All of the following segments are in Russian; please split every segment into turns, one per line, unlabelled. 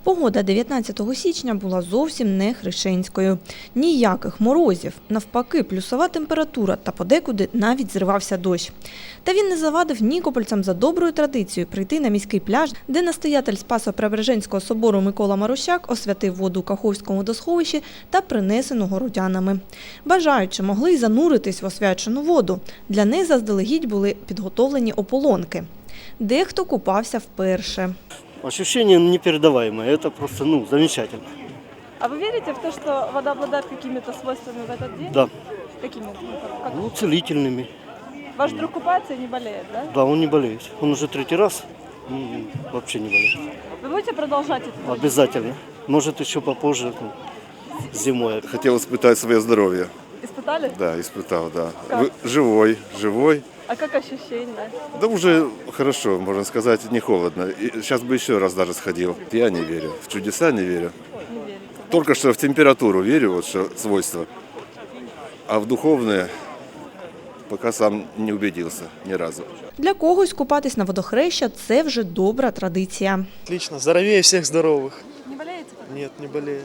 Погода 19 січня була зовсім не хрещенською. Ніяких морозів, навпаки, плюсова температура та подекуди навіть зривався дощ. Та він не завадив нікопольцям за доброю традицією прийти на міський пляж, де настоятель Спасо-Преображенського собору Микола Марущак освятив воду у Каховському водосховищі та принесену городянами. Бажаючи могли й зануритись в освячену воду. Для них заздалегідь були підготовлені ополонки. Дехто купався вперше.
Ощущение непередаваемое, это просто замечательно.
А вы верите в то, что вода обладает какими-то свойствами в этот день?
Да.
Какими?
Целительными.
Ваш друг купается и не болеет, да?
Да, он не болеет. Он уже третий раз вообще не болеет.
Вы будете продолжать это?
Обязательно. Может еще попозже, зимой.
Хотел испытать свое здоровье.
Испытали?
Да, испытал, да.
Как?
Живой.
А как ощущения?
Да уже хорошо, можно сказать, не холодно. И сейчас бы еще раз даже сходил. Я не верю. В чудеса не верю.
Не верите?
Только что в температуру верю, вот что свойства. А в духовное пока сам не убедился ни разу.
Для когось купатись на водохреща – це вже добра традиція.
Отлично, здоровее всех здоровых.
Не болеете?
Нет, не болею.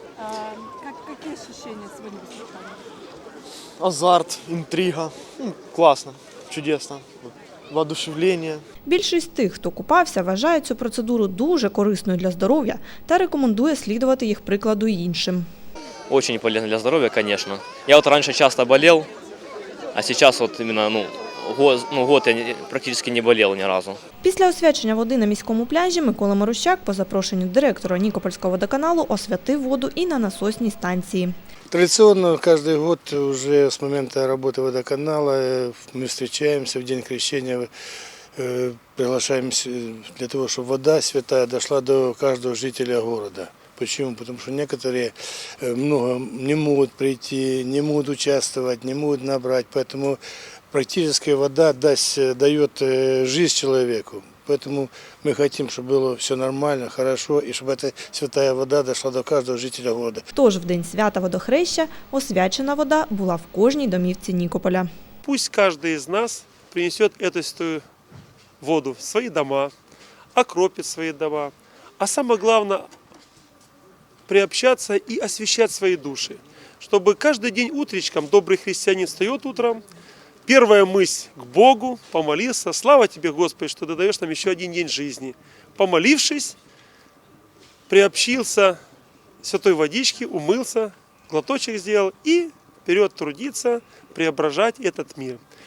Какие ощущения сегодня испытали?
Азарт, интрига. Классно, чудесно. Воодушевление.
Більшість тих, хто купався, вважає цю процедуру дуже корисною для здоров'я та рекомендує слідувати їх прикладу іншим.
Очень полезно для здоровья, конечно. Я вот раньше часто болел, а сейчас вот именно год я практически не болел ни разу.
Після освячення води на міському пляжі Микола Марущак по запрошенню директора Нікопольського водоканалу освятив воду і на насосній станції.
Традиционно каждый год уже с момента работы водоканала мы встречаемся в день крещения, приглашаемся для того, чтобы вода святая дошла до каждого жителя города. Почему? Потому что некоторые много не могут прийти, не могут участвовать, не могут набрать, поэтому практически вода дает жизнь человеку. Поэтому мы хотим, чтобы было все нормально, хорошо, и чтобы эта святая вода дошла до каждого жителя города.
Тож в день свята водохреща освячена вода була в кожній домівці Нікополя.
Пусть каждый из нас принесет эту святую воду в свои дома, окропит свои дома, а самое главное приобщаться и освящать свои души, чтобы каждый день утречком добрый христианин встает утром, первая мысль к Богу, помолился, слава Тебе, Господи, что Ты даешь нам еще один день жизни. Помолившись, приобщился святой водички, умылся, глоточек сделал и вперед трудиться, преображать этот мир.